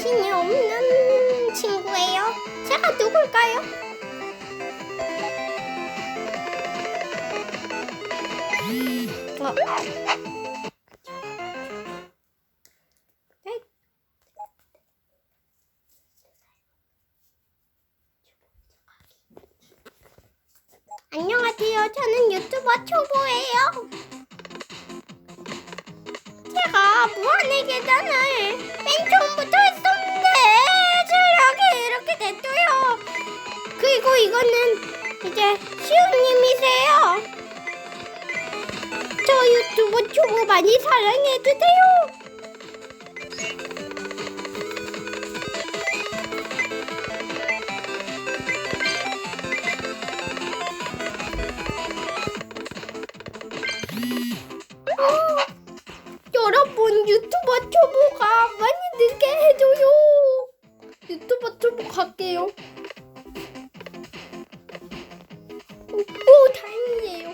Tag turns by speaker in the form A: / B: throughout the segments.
A: 자신이 없는 친구예요. 제가 누굴까요? 안녕하세요. 저는 유튜버 초보예요. 제가 무한의 계단을 맨 처음부터 했었는데 실력이 이렇게 됐어요. 그리고 이거는 이제 시우님이세요. 저 유튜브 초보 많이 사랑해주세요. 여러분 유튜버 초보가 많이 늘게 해줘요. 유튜버 초보 갈게요. 오 다행이에요.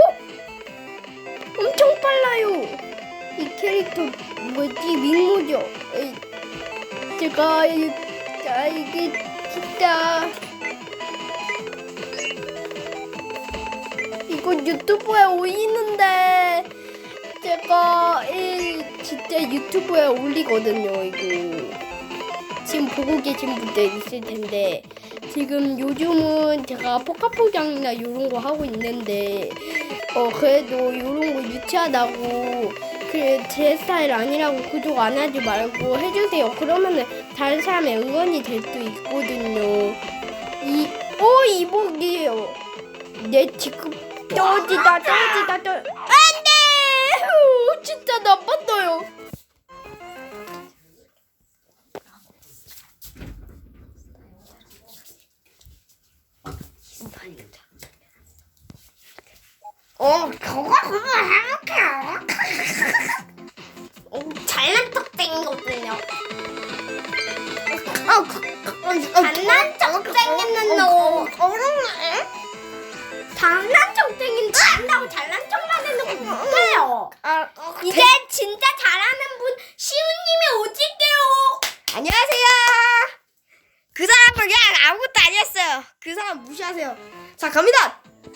A: 엄청 빨라요. 이 캐릭터 뭐지? 민모죠. 제가 이게 진짜 이거 유튜브에 올리는데 제가 진짜 유튜브에 올리거든요. 이거 지금 보고 계신 분들 있을 텐데 지금 요즘은 제가 포카포장이나 이런 거 하고 있는데 그래도 이런 거 유치하다고 제 스타일 아니라고 구독 안 하지 말고 해주세요. 그러면은 다른 사람의 응원이 될 수 있거든요. 이복이에요. 내 지금 떨어지다. 안돼! 진짜 나빴어요. 그거 해볼게요. 잘난 척 생겼거든요. 잘난 척 생겼는 너. 잘난 척 생긴 잘한다고 잘난 척만 해놓고 못해요. 이제 진짜 잘하는 분 시우님이 오실게요.
B: 안녕하세요. 그 사람은 그냥 아무것도 아니었어요. 그 사람 무시하세요. 자, 갑니다.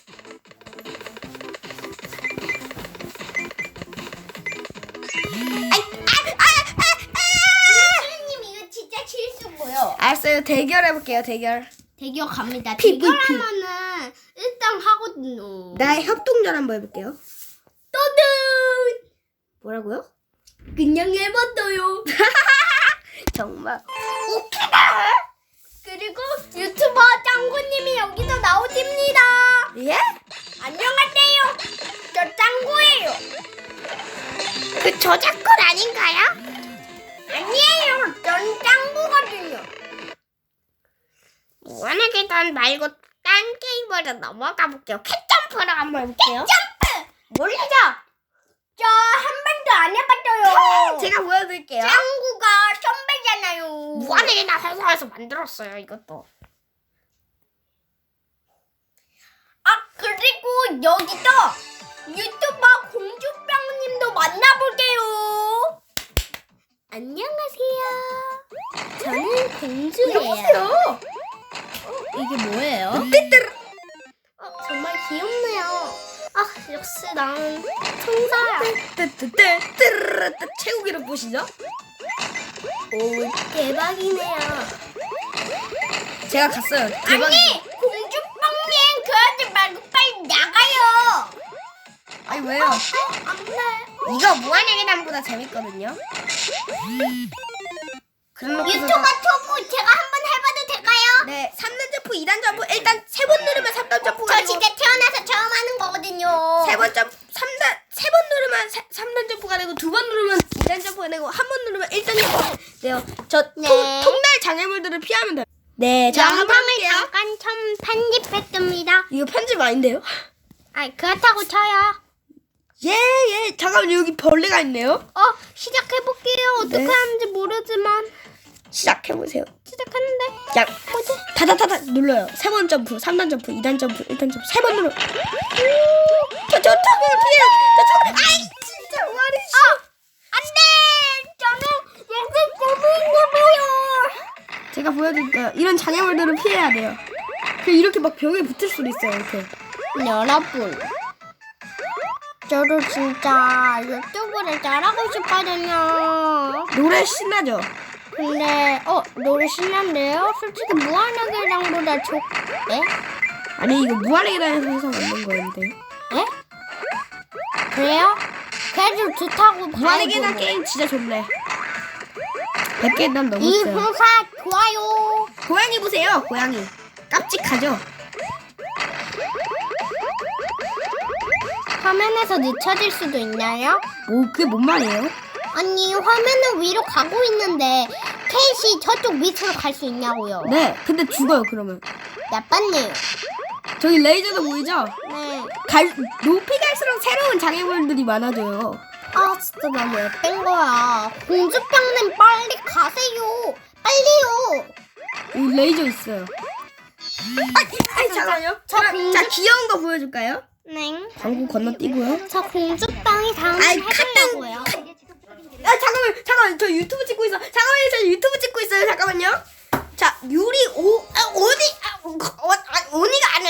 A: 시우님 이거 진짜 실수고요.
B: 알았어요. 대결해볼게요. 대결.
A: 대결 갑니다.
B: PVP.
A: 대결하면은 일단 하거든요.
B: 나의 협동전 한번 해볼게요.
A: 떠든
B: 뭐라고요?
A: 그냥 해봤어요.
B: 정말.
A: 웃기다. 그리고 유튜버 짱구님이 여기서 나오십니다.
B: 예?
A: 안녕하세요. 저 짱구예요.
B: 그 저작권 아닌가요?
A: 아니에요. 전 짱구거든요.
B: 무한의 계단 말고 딴 게임으로 넘어가 볼게요. 캣점프를 한번 해볼게요.
A: 점프! 모르죠? 저 한 번도 안 해봤어요.
B: 제가 보여드릴게요.
A: 짱구가 선배잖아요.
B: 무한의 계단 회사에서 만들었어요. 이것도.
A: 그리고 여기서 유튜버 공주병님도 만나볼게요. 안녕하세요. 저는 공주예요. 이게 뭐예요? 정말 귀엽네요. 역시 난 천사야.
B: 최고 기록 보시죠.
A: 오, 대박이네요.
B: 제가 갔어요.
A: 아니, 공주빵님 그러지 말고 빨리 나가요.
B: 아니 왜요?
A: 안 돼.
B: 이거 무한의 계단보다 재밌거든요. 그럼
A: 유튜버 초보 제가 한번 해봐도 될까요?
B: 네, 3단 점프, 2단 점프. 일단 3번 누르면 3단 점프가
A: 저
B: 되고
A: 진짜 태어나서 처음 하는 거거든요.
B: 3번 점프, 3번 누르면 3단 점프가 되고 2번 누르면 2단 점프가 되고 1번 누르면 1단 점프가 돼요. 저
A: 네.
B: 통날 장애물들을 피하면 돼요. 네, 자 한번
A: 영상을
B: 할게요.
A: 잠깐 좀 편집했습니다.
B: 이거 편집 아닌데요?
A: 그렇다고 쳐요.
B: 예. 잠깐만 여기 벌레가 있네요.
A: 시작해볼게요. 어떻게
B: 네.
A: 하는지 모르지만
B: 시작해보세요.
A: 시작하는데
B: 야, 다다다다 눌러요. 3번 점프, 3단 점프, 2단 점프, 1단 점프, 3번 눌러. 저 저쪽을 피해요. 아이 진짜 말이
A: 안돼. 저는 영상 보고 있어요.
B: 제가 보여드릴게요. 이런 장애물들은 피해야 돼요. 이렇게 막 벽에 붙을 수도 있어요. 이렇게.
A: 여러분, 저도 진짜 유튜브를 잘하고 싶거든요.
B: 노래 신나죠?
A: 근데 노래 신난데요? 솔직히 무한하게랑보다 네?
B: 아니 이거 무한리게단에서 해서 만든 거였는데.
A: 네? 그래요? 그래도 좋다고
B: 무한리게단
A: 봐야죠.
B: 게임 진짜 좋네. 100개 난
A: 이
B: 넘었어요.
A: 회사 좋아요.
B: 고양이 보세요. 고양이. 깜찍하죠?
A: 화면에서 늦춰질 수도 있나요?
B: 뭐 그게 뭔 말이에요?
A: 아니 화면은 위로 가고 있는데 케이시 저쪽 밑으로 갈 수 있냐고요.
B: 네. 근데 죽어요 그러면.
A: 나빴네요.
B: 저기 레이저도 보이죠?
A: 네.
B: 높이 갈수록 새로운 장애물들이 많아져요.
A: 아 진짜 나 왜 뺀 거야. 공주병님 빨리 가세요. 빨리요.
B: 여기 레이저 있어요. 잠깐만요. 자 귀여운 거 보여줄까요?
A: 네.
B: 광고 건너뛰고요.
A: 저 공주병이 다음에 해보려고요.
B: 잠깐만 저 유튜브 찍고 있어. 잠깐만요 저 유튜브 찍고 있어요. 잠깐만요. 자 오니가 아니야.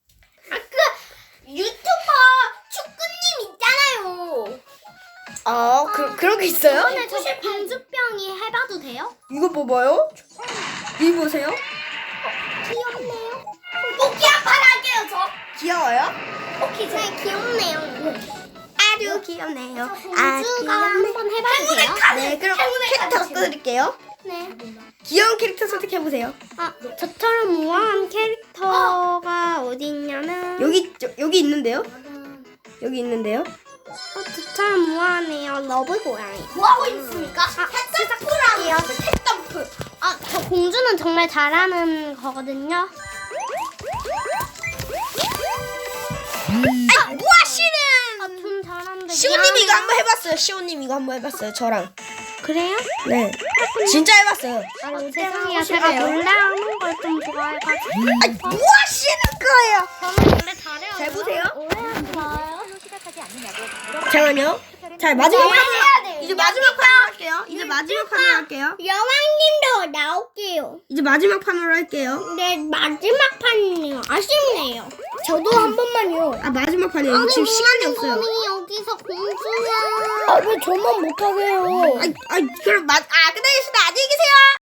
A: 유튜버 축구님 있잖아요.
B: 그런 게 있어요?
A: 오늘 저 공주병이 해봐도 돼요?
B: 이거 봐봐요. 이거 보세요.
A: 귀엽네요. 뽑기 한판 할게요 저.
B: 귀여워요?
A: 뽑기 네 귀엽네요.
B: 아주 귀엽네요.
A: 공주가 한번 해봐도 돼요?
B: 네 그럼 캐릭터 바꿔드릴게요.
A: 네.
B: 귀여운 캐릭터 선택해보세요.
A: 저처럼 우아한 캐릭터가 어디 있냐면
B: 여기 있는데요. 여기 있는데요.
A: 저처럼 우아하네요. 러브 고양이. 뭐하고 있습니까? 시작할게요. 탭덤프. 저 공주는 정말 잘하는 거거든요.
B: 뭐하시는?
A: 좀 잘하는데.
B: 시오님 이거
A: 미안해요.
B: 한번 해봤어요. 시오님 이거 한번 해봤어요. 저랑.
A: 그래요?
B: 네. 진짜 해봤어요.
A: 죄송해요. 제가 놀래하는 걸 좀 좋아해가지고.
B: 뭐하시는 거예요?
A: 저는 원래 잘해요.
B: 잘 보세요.
A: 오해하지 마요.
B: 잠깐만요. 자 마지막
A: 네, 해야 돼요.
B: 이제 마지막 판으로 할게요. 이제 마지막 판으로 할게요.
A: 여왕님도 나올게요.
B: 이제 마지막 판으로 할게요.
A: 네, 마지막 판이네요. 아쉽네요. 저도 한 번만요.
B: 마지막 판이에요. 지금 시간이 없어요.
A: 아니, 여기서 공주야. 왜 저만 못하게요?
B: 그럼 끝내겠습니다. 안녕히 계세요.